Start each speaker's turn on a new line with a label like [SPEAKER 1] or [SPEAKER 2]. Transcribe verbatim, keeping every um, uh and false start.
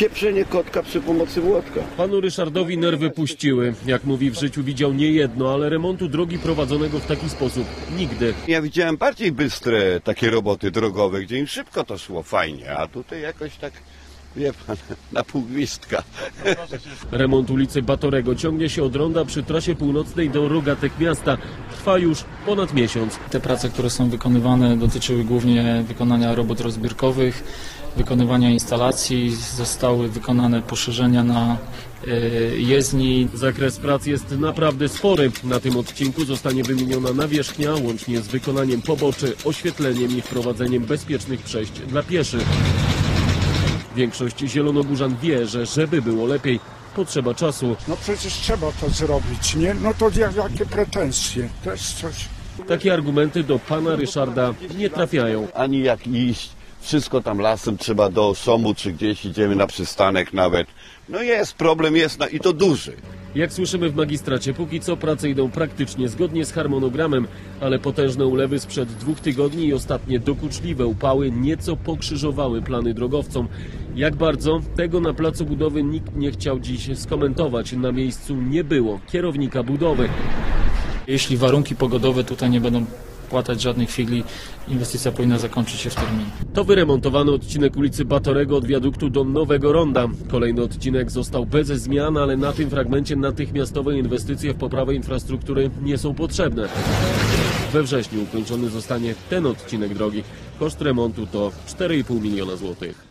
[SPEAKER 1] pieprzenie kotka przy pomocy młotka.
[SPEAKER 2] Panu Ryszardowi nerwy puściły. Jak mówi, w życiu widział nie jedno, ale remontu drogi prowadzonego w taki sposób nigdy.
[SPEAKER 1] Ja widziałem bardziej bystre takie roboty drogowe, gdzie im szybko to szło fajnie, a tutaj jakoś tak, wie pan, na pół gwizdka.
[SPEAKER 2] Remont ulicy Batorego ciągnie się od ronda przy trasie północnej do Rogatek miasta. Trwa już ponad miesiąc.
[SPEAKER 3] Te prace, które są wykonywane, dotyczyły głównie wykonania robót rozbiórkowych, wykonywania instalacji. Zostały wykonane poszerzenia na jezdni.
[SPEAKER 2] Zakres prac jest naprawdę spory. Na tym odcinku zostanie wymieniona nawierzchnia, łącznie z wykonaniem poboczy, oświetleniem i wprowadzeniem bezpiecznych przejść dla pieszych. Większość zielonogórzan wie, że żeby było lepiej, potrzeba czasu.
[SPEAKER 4] No przecież trzeba to zrobić, nie? No to jakie pretensje? To jest coś...
[SPEAKER 2] Takie argumenty do pana Ryszarda nie trafiają.
[SPEAKER 1] Ani jak iść, wszystko tam lasem trzeba do Osomu, czy gdzieś idziemy na przystanek nawet. No jest, problem jest, no i to duży.
[SPEAKER 2] Jak słyszymy w magistracie, póki co prace idą praktycznie zgodnie z harmonogramem, ale potężne ulewy sprzed dwóch tygodni i ostatnie dokuczliwe upały nieco pokrzyżowały plany drogowcom. Jak bardzo? Tego na placu budowy nikt nie chciał dziś skomentować. Na miejscu nie było kierownika budowy.
[SPEAKER 3] Jeśli warunki pogodowe tutaj nie będą płatać żadnych figli, inwestycja powinna zakończyć się w terminie.
[SPEAKER 2] To wyremontowany odcinek ulicy Batorego od wiaduktu do Nowego Ronda. Kolejny odcinek został bez zmian, ale na tym fragmencie natychmiastowe inwestycje w poprawę infrastruktury nie są potrzebne. We wrześniu ukończony zostanie ten odcinek drogi. Koszt remontu to cztery i pół miliona złotych.